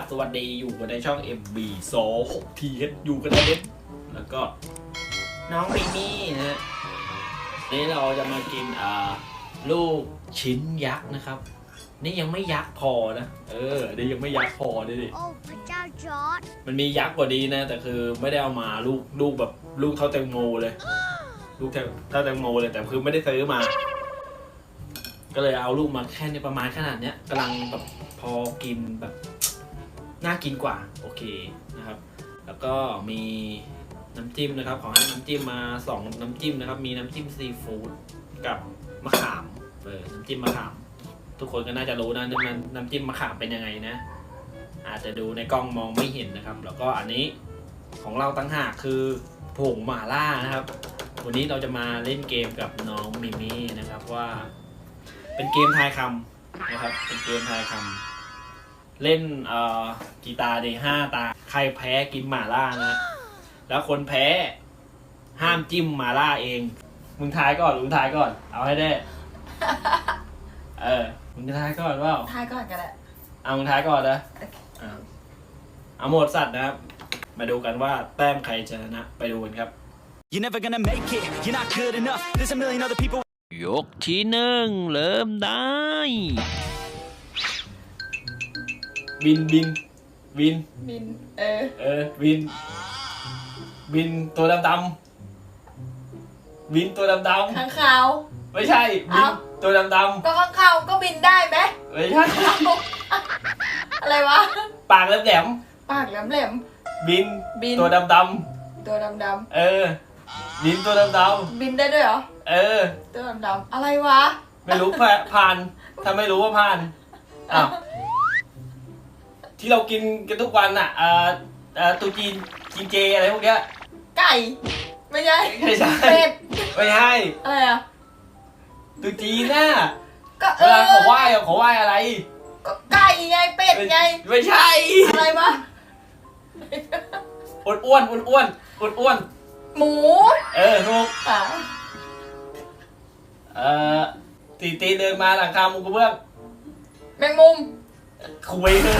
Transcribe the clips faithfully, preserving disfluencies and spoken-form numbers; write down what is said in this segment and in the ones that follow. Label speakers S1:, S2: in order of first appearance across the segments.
S1: บสวัสดีอยู่กันในช่อง เอ็ม บี สอง หก ที เอช อยู่กันในเด็ดแล้วก็น้องมิมี่นะฮะนี่เราจะมากินอ่าลูกชิ้นยักษ์นะครับนี่ยังไม่ยักษ์พอนะเออนี่ยังไม่ยักษ์พอดิดิ
S2: โอ้พระเจ้าจอร์จ
S1: มันมียักษ์กว่านี้นะแต่คือไม่ได้เอามาลูกลูกแบบลูกเท่าแตงโมเลยลูกเท่าเท่าแตงโมเลยแต่คือไม่ได้ซื้อมาก็เลยเอาลูกมาแค่ในประมาณขนาดเนี้ยกำลังแบบพอกินแบบน่ากินกว่าโอเคนะครับแล้วก็มีน้ำจิ้มนะครับขอให้น้ำจิ้มมาสองน้ำจิ้มนะครับมีน้ำจิ้มซีฟู้ดกับมะขามเออน้ำจิ้มมะขามทุกคนก็น่าจะรู้นะน้ำน้ำจิ้มมะขามเป็นยังไงนะอาจจะดูในกล้องมองไม่เห็นนะครับแล้วก็อันนี้ของเราตั้งหากคือผงหม่าล่านะครับวันนี้เราจะมาเล่นเกมกับน้องมิมี่นะครับว่าเป็นเกมทายคำนะครับเป็นเกมทายคำเล่นเอ่อกีตาร์เดย์ห้าตาใครแพ้กินหม่าล่านะแล้วคนแพ้ห้ามจิ้มหม่าล่าเองมึงทายก่อนมึงทายก่อนเอาให้ได้เออมึงจะทายก่อนว่า
S3: ทายก่อนกันแหละ
S1: เอามึงทายก่อนนะอ่าเอาหมดสัตว์นะครับมาดูกันว่าแต้มใครจะชนะไปดูกันครับ
S4: You're never gonna make it, you're not good enough. There's a million other people.
S1: ยกที่หนึ่งเริ่มได้บินบินบิน
S3: บินเออ
S1: เออบินบินตัวดำดำบินตัวดำดำ
S3: ข้างขาว
S1: ไม่ใช่บินตัวดำดำ
S3: ก็ข้างขาวก็บินได้ไหม
S1: ไม่ใช่
S3: อะไรวะ
S1: ปากแหลม
S3: ปากแหลมแหลม
S1: บิน
S3: บิน
S1: ตัวดำดำ
S3: ตัวดำดำ
S1: เออบินตัวดำดำ
S3: บินได้ด้วยเหรอ
S1: เออ
S3: ตัวดำดำอะไรวะ
S1: ไม่รู้ผ่านถ้าไม่รู้ว่าผ่านอ้าวที่เรากินกันทุกวันอ่ะอ่าอ่าตูจีนกินเจอะไรพวกเนี้ย
S3: ไก่ไม่ใช่
S1: ไม่ใช่
S3: เป็ด
S1: ไม่ใช่
S3: อะไรอ่ะ
S1: ตูจีนน่ะ
S3: ก็เออ
S1: เวลาเขาไหว้อะเขาไหว้อะไร
S3: ก็ไก่ไงเป็ดไง
S1: ไม่ใช่
S3: อะไรวะ
S1: อ้วนอ้วนอ้วนอ้วนอ้วนอ้วน
S3: หมู
S1: เออถูก
S3: อ่ะ
S1: เอ่อตีตีเดินมาหลังคามุงกระเบื้อง
S3: แมงมุม
S1: คุยเลย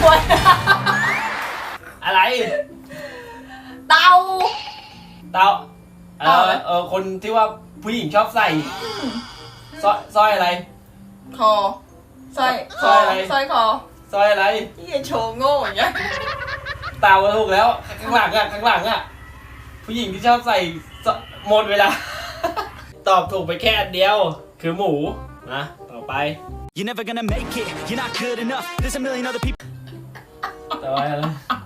S1: อะไร
S3: เตา
S1: เตาเออเออคนที่ว่าผู้หญิงชอบใส่สร้อยสร้อยอะไร
S3: คอสร้อย
S1: สร้อยอะไร
S3: สร้อยคอ
S1: สร้อยอะไร
S3: ที่จะโชว์โง่อย่างเงี้ย
S1: เตาถูกแล้วข้างหลังอ่ะข้างหลังอ่ะผู้หญิงที่ชอบใส่หมดเวลาตอบถูกไปแค่อันเดียวคือหมูนะต่อไป
S4: You're never gonna make it, you're not good enough. There's a million other people.
S1: ต่อไปอะไร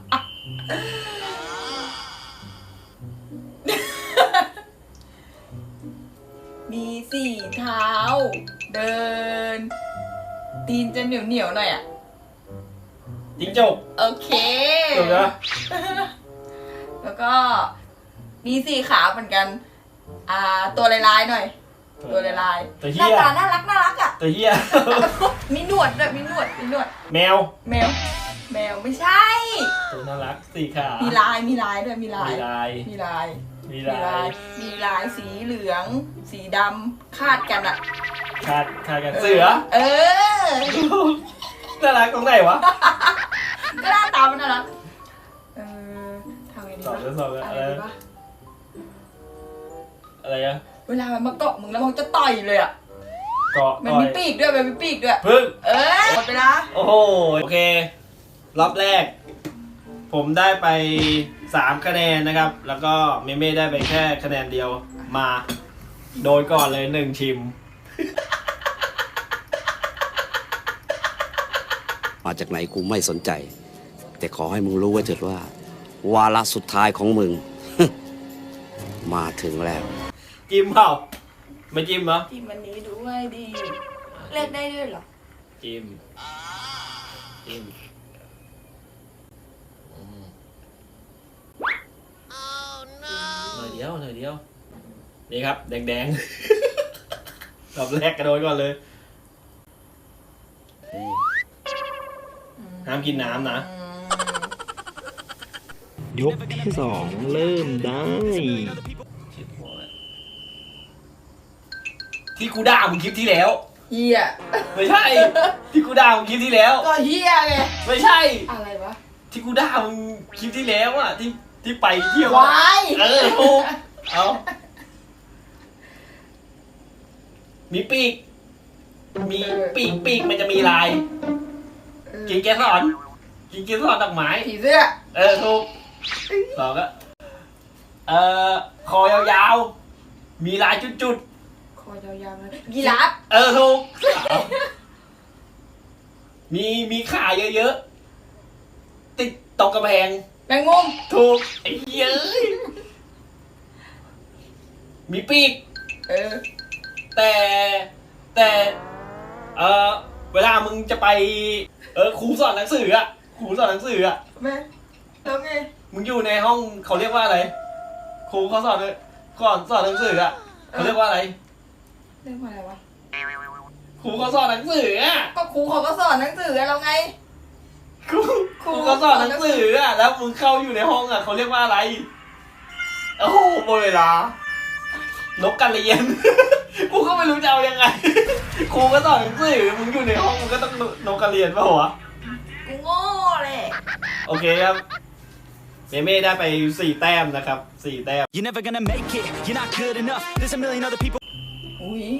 S3: มีสี่เท้าเดินตีนจะเหนียวเหนียวหน่อยอ่ะ
S1: จิ้งจก
S3: โอเค
S1: ถูกแล้ว
S3: แล้วก็มีสี่ขาเหมือนกันอ่าตัวลายๆหน่อยตัวลายๆหน้าตาน่ารักน่ารักอ่ะ
S1: ตัวเหี้ย
S3: มีหนวดด้วยมีหนวดมีหนวด
S1: แมว
S3: แมวแมวไม่ใช่
S1: ตัวน่ารักสี่ขา
S3: มีลายมีลายด้วยมีลาย
S1: มีลาย
S3: มีลาย
S1: มีลาย
S3: มีลายสีเหลืองสีดำคาดกันอ่ะ
S1: คาดคาดกันเสือ
S3: เออ
S1: น่ารักตรงไหนวะ
S3: ก็หน้าตามันน่ารักเออทำไงดีวะ
S1: สอบแล้วสอบแล้วอะไรอะไรอะ
S3: เวลามันมาเกาะมึงแล้วมันจะต่อยเลยอ่ะ
S1: เกาะ
S3: มันมีปีกด้วยมันมีปีกด้วย
S1: พึ่ง
S3: เออหมดไปละ
S1: โอ้โหโอเครอบแรกผมได้ไปสามคะแนนนะครับแล้วก็เมเม่ได้ไปแค่คะแนนเดียวมาโดนก่อนเลยหนึ่งชิม
S5: มาจากไหนกูไม่สนใจแต่ขอให้มึงรู้ไว้เถิดว่าวาระสุดท้ายของมึง มาถึงแล้ว
S1: จิ้มเปล่าไม่จิ้มเหรอ
S3: จิ้มอันนี้ด้วยดีเลือกได้ด้วยเหรอ
S1: จิ้มจิ้มหน่อยเดียวหน่อยเดียวนี่ครับแดงๆรอบแรกกระโดดก่อนเลยห้ามกินน้ำนะยกที่สองเริ่มได้ที่กูด่ามึงคลิปที่แล้ว
S3: เฮีย
S1: ไม่ใช่ที่กูด่ามึงคลิปที่แล้ว
S3: ก็เฮียไง
S1: ไม่ใช่
S3: อะไรวะ
S1: ที่กูด่ามึงคลิปที่แล้วอ่ะที่ที่ไปเที่ยว
S3: วาย
S1: เออถูกเอามีปีกมีปีกปีกมันจะมีลายกินเกสรกินเกสรดอกไม้
S3: ผีเสื้อ
S1: เออถูกสองก็เอ่อคอยาวๆมีลายจุด
S3: คอยาวๆเลยยีราฟ
S1: ๆเออถูกมีมีขาเยอะๆติดตรงกระแพง
S3: แมงมุม
S1: ถูกไอ้เหี้ยเอ้ยมีปีก
S3: เออ
S1: แต่แต่เออเวลามึงจะไปเออครูสอนหนังสืออะครูสอนหนังสืออะ
S3: แม่แล้วไง
S1: มึงอยู่ในห้องเขาเรียกว่าอะไรครูเขาสอนก่อนสอนหนังสืออะเขาเรียกว่าอะไร
S3: เรียกว่าอะไรวะ
S1: ครูเขาสอนหนังสืออะ
S3: ก็ครูเขาก็สอนหนังสือเราไง
S1: ครูครูเขาสอนหนังสืออะแล้วมึงเข้าอยู่ในห้องอะเขาเรียกว่าอะไรโอ้โหหมดเวลานกกระเรียน กูก็ไม่รู้จะเอายังไง ครูก็สอนหนังสือมึงอยู่ในห้องมึงก็ต้องนกกระเรียนป่ะวะ
S3: กูโง่เลย
S1: โอเคครับเมเม่ได้ไปสี่แต้มนะครับสี่แต้ม
S4: You're never gonna make it, you're not good enough. There's a million other people.
S3: อุ้ย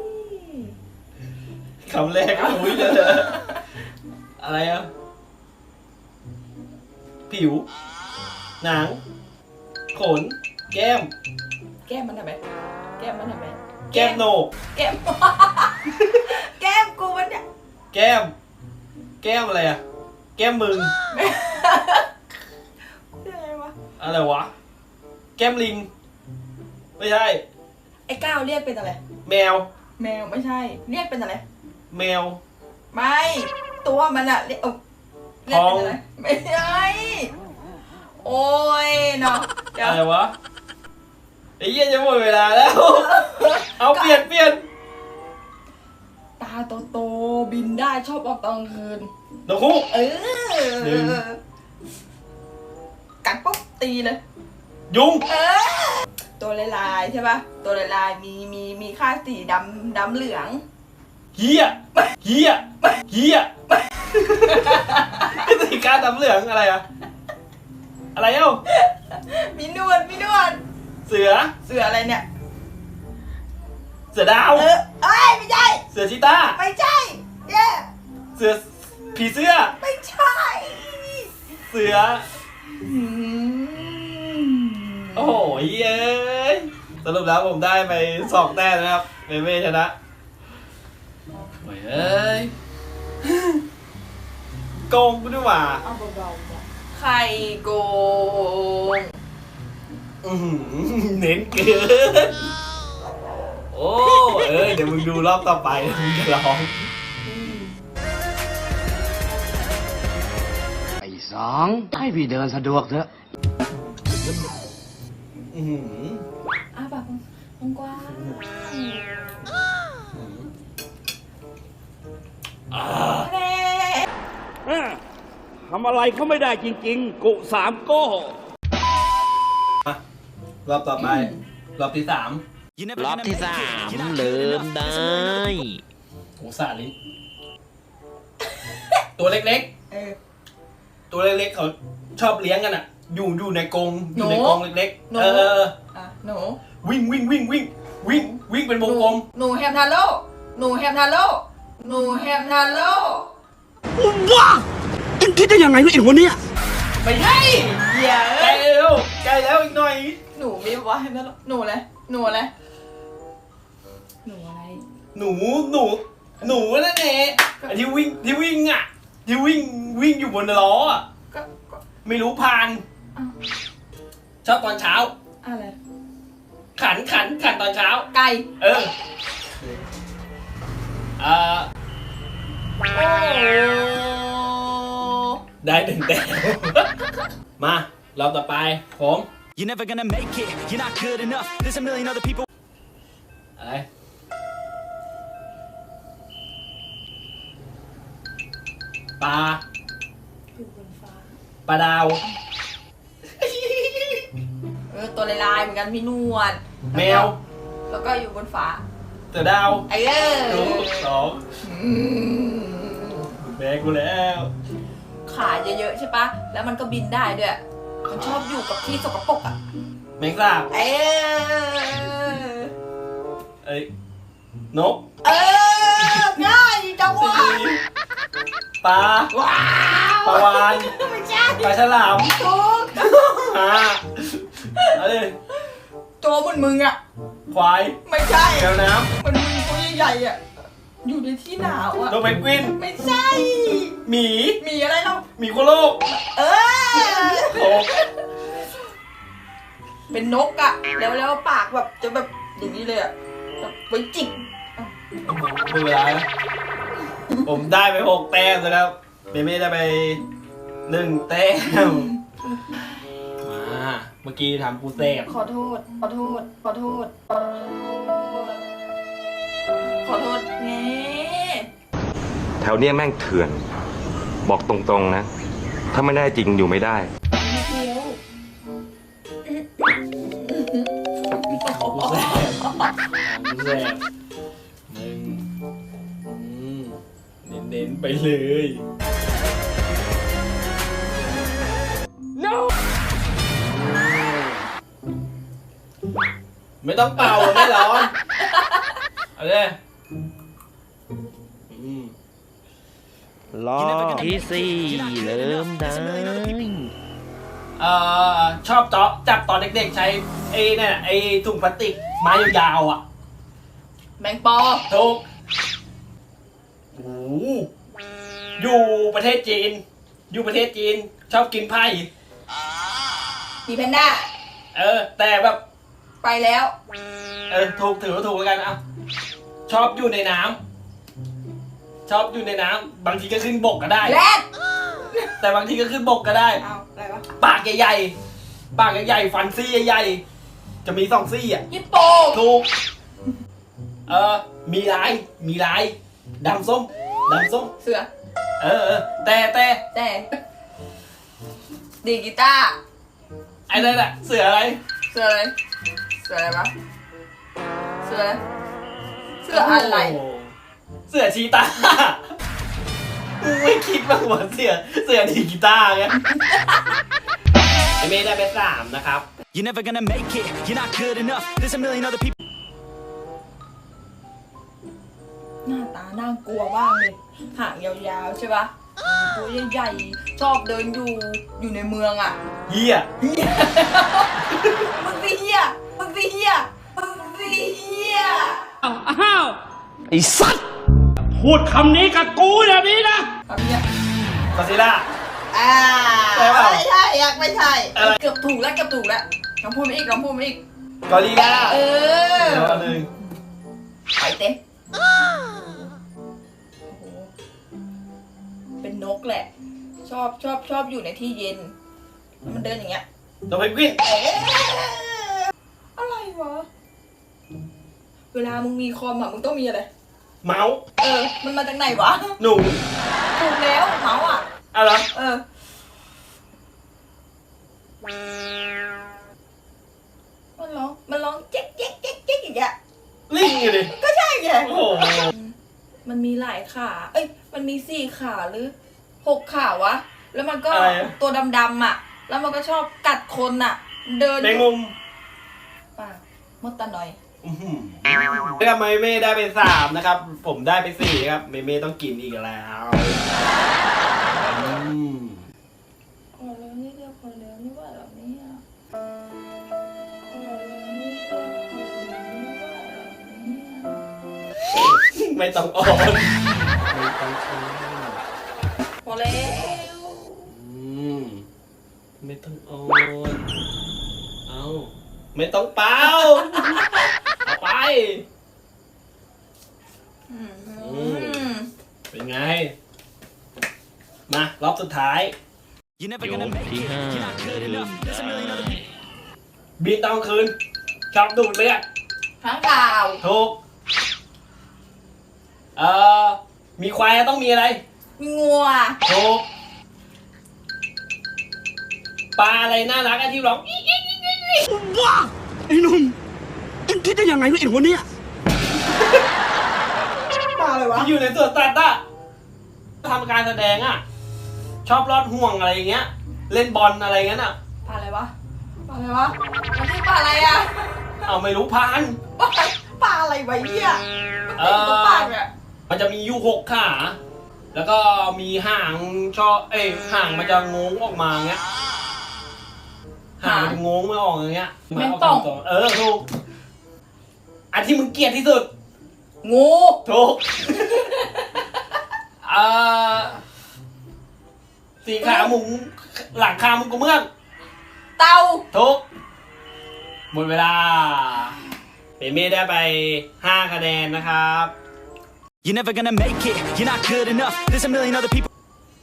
S1: คำแรกก็อุ้ยเลยอะไรอ่ะผิว หนัง ขน แก้ม
S3: แก้มมันทำไมแก้มมันทำไม
S1: แก้มโหนก
S3: แก้ม แก้มกูมันเนี่ย
S1: แก้ม แก้มอะไรอ่ะ แก้มมึง
S3: อะไรวะ
S1: อะไรวะ แก้มลิง ไม่ใช่
S3: ไอ้ก้าวเรียกเป็นอะไร
S1: แมว
S3: แมวไม่ใช่ เรียกเป็นอะไร
S1: แมว
S3: ไม่ ตัวมันอะเรียกเอ้าเรียกเป็นอะไรไม่ใช่โอ้ยเนาะเดี๋ยว
S1: อะไรวะไอ้เหี้ยจะหมดเวลาแล้ว เอาเปลี่ยนเปลี่ยน
S3: ตาโตๆบินได้ชอบออกตอนกลางคืน
S1: นกฮูก
S3: เอ
S1: หนึ่ง
S3: อกัดปุ๊บตีเลย
S1: ยุง
S3: เออ ตัวลายๆใช่ป่ะ ตัวลายๆมีมีมีค่าสีดำดำเหลือง
S1: เฮียเฮียเฮียสีกาดำเหลืองอะไรอะอะไรเอ้า
S3: มีหนวดมีหนวด
S1: เสือ
S3: เสืออะไรเนี่ย
S1: เสือดาว
S3: เออเอ้ยไม่ใช่
S1: เสือชีต้า
S3: ไม่ใช่เย่
S1: เสือผีเสื้อ
S3: ไม่ใช่
S1: เสือ
S3: อืม
S1: โอ้โหเย้ยสรุปแล้วผมได้ไปสองแต้มนะครับเมเม่ชนะโอ้ยเอ้ยโกงกูด้วยว่ะ
S3: เอาเบาๆจ้ะไข่โกง
S1: อื้อหือเน้นเกินโอ้เอ้ยเดี๋ยวมึงดูรอบต่อไปมึงจะร้อง
S5: ไอ้สองให้พี่เดินสะดวกเถอะ
S1: อื้อหือ
S3: อ้าปากกว้าง
S1: อ่า
S3: ๆแน่
S2: ทำอะไรเขาไม่ได้จริงๆ กุสามโก้
S1: มารอบต่อไป รอบที่สาม
S4: You're never
S6: รอบ
S4: gonna
S6: ที่
S4: make
S6: สา
S4: it,
S6: ม
S4: you're not
S6: ลื
S4: good
S6: ม
S4: enough.
S6: ได้
S4: There's a million other people.
S1: โอ้สาลิตัวเล็ก
S3: เออ
S1: ๆ ตัวเล็กๆเขาชอบเลี้ยงกันอ่ะ อยู่อยู่ในกรงอยู่ใน
S3: หนู
S1: กรงเล็ก
S3: หนู
S1: ๆ เออเออ
S3: อ่ะหนู
S1: วิ่งวิ่งวิ่งวิ่งวิ่งวิ่งเป็นวงกลม
S3: หนูแฮมทาโร่หนูแฮมทาโร่หนูแฮมทาโร่
S5: ว้าเอ็งคิดได้ยังไงวะไอ้หัวเนี่ย
S1: ไม่ใช่
S3: เหี้ย
S1: ใก
S3: เอ้
S1: ล้
S3: ย
S1: แล้วใกล้แล้วอีกหน่อย
S3: หนูมีวะแฮมทาโร่หนูอะไรหนูอะไรหนูอะไร
S1: หนูหนูหนูนั่นเองไอ้ที่วิ่งที่วิ่งอ่ะ ที่วิ่งวิ่งอยู่บนล้ออ่ะ
S3: ก็ก็
S1: ไม่รู้พาน
S3: อ้าว
S1: ชอบตอนเช้า
S3: อะไร
S1: ขันขันขันตอนเช้า
S3: ไก่
S1: เอออ่า
S3: โอ้
S1: ได้หนึ่งแต้ม มา เราต่อไป ผม
S4: You're never gonna make it, you're not good enough. There's a million other people.
S1: อะไร ปลา
S3: อยู่บนฟ้า
S1: ปลาดาว
S3: เออตัวลายๆเหมือนกันมีหนวด
S1: แมว
S3: แล้วก็อยู่บนฟ้า
S1: เสือดาว
S3: ไอ้เอ
S1: ถู
S3: อก
S1: สอง
S3: อืม
S1: แบกกูแล้ว ข
S3: ขาเยอะๆใช่ปะแล้วมันก็บินได้ด้วย มันชอบอยู่กับที่สกปรกอ่ะ
S1: แมงสาบ
S3: เออ
S1: เอ้ยนก
S3: เออง่ายจังวะ
S1: ปลา
S3: ว้า
S1: ปลาวาน
S3: ไม่ใช่
S1: ปลาฉลาม
S3: ถูก
S1: อ่าเอาดิ
S3: ตัวเหมือนมึงอ่ะ
S1: ควาย
S3: ไม่ใช่
S1: แมวน้
S3: เหมันมึงตัวใหญ่ๆอ่ะ อยู่ในที่หนาว
S1: ำ
S3: อ่ะ
S1: นกเพนกวิน
S3: ไม่ใช่
S1: หมี
S3: มีอะไรเนาะ
S1: หมีโคโลก
S3: เออ
S1: โอ้
S3: เป็นนกอ่ะ แล้วแล้วปากแบบจะแบบอย่างนี้เลยอ่ะแบบไว้จิก
S1: ดูเวลานะผมได้ไปหกแต้มนะครับเมเม่ได้ไปหนึ่งแต้มมาเมื่อกี้ทำกูเซฟ
S3: ขอโทษ ขอโทษ ขอโทษ ขอโทษ ขอโทษไง
S6: แถวเนี้ยแม่งเถื่อน บอกตรงๆนะ ถ้าไม่ได้จริงอยู่ไม่ได้
S3: เดียว
S1: กูแซบกูแซบหนึ่งอืมเน้นๆไปเลย no ไม่ต้องเป่าไม่ร้อนเอาเลยอืม
S2: รอบที่สี่เริ่มได้
S1: เอ่อชอบเจาะจับตอนเด็กๆใช้ไอ้เนี่ยไอ้ถุงพลาสติกไม้ยาวๆอ่ะ
S3: แมงปอ
S1: ถูกโอ้โหอยู่ประเทศจีน อยู่ประเทศจีน ชอบกินไพ่
S3: มีแพนด้า
S1: เออ แต่แบบ
S3: ไปแล้ว
S1: เออ ถูกถือว่าถูกแล้วกันอ่ะชอบอยู่ในน้ำชอบอยู่ในน้ำบางทีก็ขึ้นบกก็ได้
S3: แรด
S1: แต่บางทีก็ขึ้นบกก็ได้
S3: เอาอะไรวะ
S1: ปากใหญ่ๆ ปากใหญ่ๆ ฟันซี่ใหญ่ๆ จะมีสองซี่อ่ะ
S3: ฮิปโป
S1: ถูก เออ มีลาย มีลาย ดำส้ม ดำส้ม
S3: เสือ
S1: เออเออแต่แต่
S3: แต่ดีดกีตาร์
S1: ไอ้นั่นแหละเสืออะไร
S3: เสืออะไร เสืออะไรวะเสืออะไร เสืออะไร
S1: โโหเสือชีตามึงไม่คิดบ้างว่าเสือ เสือดีดกีตาร์ไงไอเมย์ได้ไปสามนะครับ
S4: You're never gonna make it, you're not good enough. There's a million other people.
S3: หน้าตาน่ากลัวมากเลย หางยาวๆใช่ปะตัวใหญ่ๆ ชอบเดินอยู่ อยู่ในเมืองอ่ะ
S1: เฮีย
S3: มึงสิเฮียมึงสิเฮียมึงสิเฮีย
S2: อ้าว ไอ้สัตว์ พูดคำนี้กับกูอย่างนี้นะ
S3: ทำเนี้ย
S1: กอซิล่า
S3: อ่า
S1: ใช่เปล่า
S3: ไม่ใช่อยากไม่ใช่
S1: อะไร
S3: เกือบถูกแล้วเกือบถูกแล้วลองพูดมาอีกลองพูดมาอีก
S1: กอริลล่า
S3: เออ
S1: เดี๋ยวอันหนึ่ง
S3: ไปเต้นโอ้โหเป็นนกแหละ ชอบชอบชอบอยู่ในที่เย็นแล้วมันเดินอย่างเงี้ย
S1: ตัวเพนกวิน
S3: เอ๊ะอะไรวะ เวลามึงมีคอมอ่ะมึงต้องมีอะไร
S1: เมาส์
S3: เออ มันมาจากไหนวะ
S1: หนู
S3: ถูกแล้วเมาส์อ่ะ
S1: อะไร
S3: เออ มันร้อง มันร้องเจ๊กเจ๊กเจ๊กเจ๊กอย่างเงี้ย
S1: ลิงอยู่ดิ
S3: ก็ใช่ไง
S1: โอ้โห
S3: มันมีหลายขา เอ้ย มันมีสี่ขาหรือหกขาวะ แล้วมันก็
S1: อะไรอะ
S3: ตัวดำๆอ่ะ แล้วมันก็ชอบกัดคนอ่ะ เดิน
S1: แมงมุม
S3: ป่ามดตาหน่อย
S1: อื้อหือนะครับเมเม่ได้ไปสามนะครับ ผมได้ไปสี่ครับ เมเม่ต้องกินอีกแล้วอืม
S3: ขอแล้วนี่เดียวขอแล้วนี่ว่าแบบนี้อ่ะขอแล้วนี่เดียวขอแล้วนี่ว่าแบบนี้อ่ะ
S1: ไม่ต้องอ่อนไม่ต้องอ่อน
S3: พอแล้ว
S1: อืมไม่ต้องอ่อนเอาไม่ต้องเป่าเอาไป
S3: อืม
S1: ม เป็นไง มารอบสุดท้าย
S4: You're never gonna make it, you're not good enough. There's a million other people.
S1: บินตอนกลางคืนชอบดูดเลือด
S3: ข้างข่าว
S1: ถูก เอ่อ มีควายต้องมีอะไร
S3: มีงัว
S1: ถูก ปลาอะไรน่ารักอะที่ร้องอี๊กอี๊กอี๊กอี๊กอี๊ก
S2: ว้าไอ้หนุ่มเอ็งคิดได้ยังไงวะไอ้หัวเนี่ย
S3: ปลาอะไรวะ
S1: ที่อยู่ในสวนสัตว์อะทำการแสดงอะชอบลอดห่วงอะไรอย่างเงี้ย เล่นบอลอะไรเงี้ยน่ะ
S3: ปลาอะไรวะปลาอะไรวะมันชื่อปลาอะไรอ่ะ
S1: เอาไม่รู้พาน
S3: ปลาปลาอะไรวะเนี่ยมัน
S1: เอ
S3: เป็นตัวปลาเนี่ย
S1: มันจะมีอยู่หกขา แล้วก็มีหางชอบเอ้ยหางมันจะงงออกมาเงี้ย หางมันจะงงไม่ออกอย่างเงี้ย
S3: แมงป่อง
S1: เออถูก อันที่มึงเกลียดที่สุด
S3: งู
S1: ถูก เอ่อสี่ขาหมุงหลังคามุงกระเบื้อง
S3: เต่า
S1: ถูก หมดเวลาเปเม่ได้ไปห้าคะแนนนะครับ
S4: You're never gonna make it, you're not good enough. There's a million other people.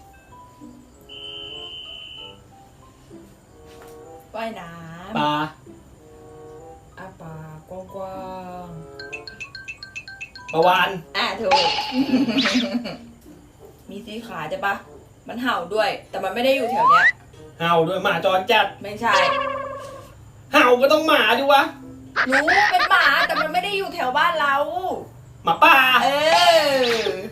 S3: ว่ายน้
S1: ปลา
S3: ำอาปากกว้าง
S1: ปลาวาน
S3: ๆอ่ะถูก มีสีขาใช่ปะมันเห่าด้วย แต่มันไม่ได้อยู่แถวเนี้ย
S1: เห่าด้วยหมาจรจัด
S3: ไม่ใช่
S1: เห่าก็ต้องหมาดิวะ
S3: รู้เป็นหมาแต่มันไม่ได้อยู่แถวบ้านเรา
S1: หมาป่า
S3: เออ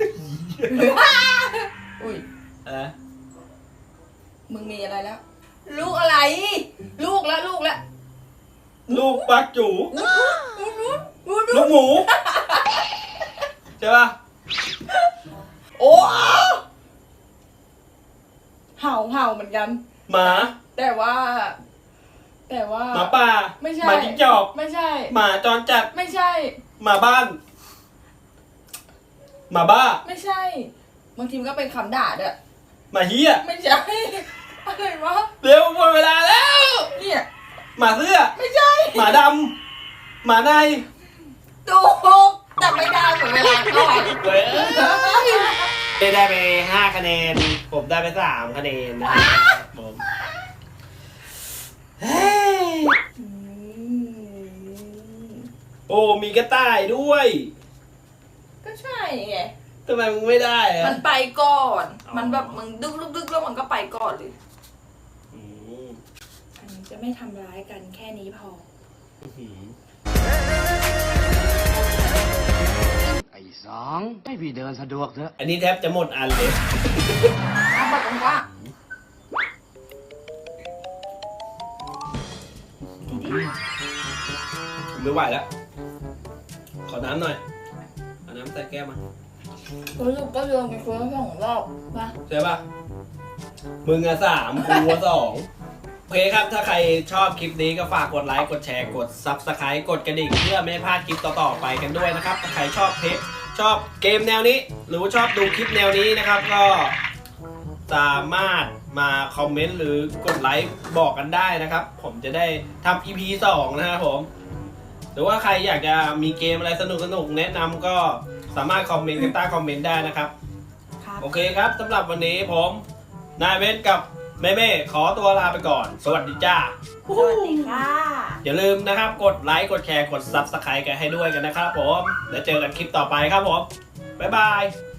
S3: อุ้ย
S1: เออ
S3: มึงมีอะไรแล้ว ลูกอะไร ลูกแล้วลูกแล้ว
S1: ลูกปลาจู
S3: ลูกลูกลูก
S1: ลูกหมู ใช่ป่ะ
S3: โอ้เห่าเห่าเหมือนกัน
S1: หมา
S3: แต่ว่า แต่ว่า
S1: หมาป่า
S3: ไม่ใช่
S1: หมาจิ้งจอก
S3: ไม่ใช่
S1: หมาจรจัด
S3: ไม่ใช่
S1: หมาบ้าน หมาบ้า
S3: ไม่ใช่ บางทีมันก็เป็นคำด่าด้วย
S1: หมาเฮีย
S3: ไม่ใช่ อะไรวะ
S1: เร็วหมดเวลาแล้ว
S3: เนี่ย
S1: หมาเสื้อ
S3: ไม่ใช่
S1: หมาดำ หมาใน
S3: ถูกแต่ไม่ได้เหมือนเวลาก่อน
S1: เว้ยเต้ได้ไปห้าคะแนน ผมได้ไปสามคะแนนนะครับผมเฮ้ย
S3: อืม
S1: โอ้ มีกระต่ายด้วย
S3: ก็ใช่ไง
S1: ทำไมมึงไม่ได้อะ
S3: มันไปก่อน
S1: อ๋อ
S3: มันแบบมึงดึกดึกดึกแล้วมันก็ไปก่อนเลย
S1: อืม
S3: อันนี้จะไม่ทำร้ายกันแค่นี้พอ
S1: อื้อหือ
S5: ไอ้สองให้พี่เดินสะดวกเถอะ
S1: อันนี้แทบจะหมดอันเลย
S3: เอาแบบว่า
S1: ผมไม่ไหวแล้ว ขอน้ำหน่อย เอาน้ำใส่แก้วมา
S3: รู้สึกก็เดินไปคนละสองรอบนะ
S1: ใช่ป่ะ มึงอะสามกูอะสองโอเคครับ ถ้าใครชอบคลิปนี้ก็ฝากกดไลค์ กดแชร์ กด ซับสไครบ์ กดกระดิ่งเพื่อไม่ให้พลาดคลิปต่อๆไปกันด้วยนะครับ ถ้าใครชอบเพจชอบเกมแนวนี้ หรือว่าชอบดูคลิปแนวนี้นะครับ ก็สามารถมาคอมเมนต์หรือกดไลค์บอกกันได้นะครับ ผมจะได้ทำ อี พี สองนะครับผม หรือว่าใครอยากจะมีเกมอะไรสนุกๆแนะนำก็สามารถคอมเมนต์กันใต้คอมเมนต์ได้นะครับ
S3: ครับ
S1: โอเคครับสำหรับวันนี้ผมนายเว้นกับแม่เม่ขอตัวลาไปก่อน สวัสดีจ้า
S3: สวัสดีค่ะ
S1: อย่าลืมนะครับ กดไลค์ กดแชร์ กด ซับสไครบ์ กันให้ด้วยกันนะครับผม แล้วเจอกันคลิปต่อไปครับผม บ๊ายบาย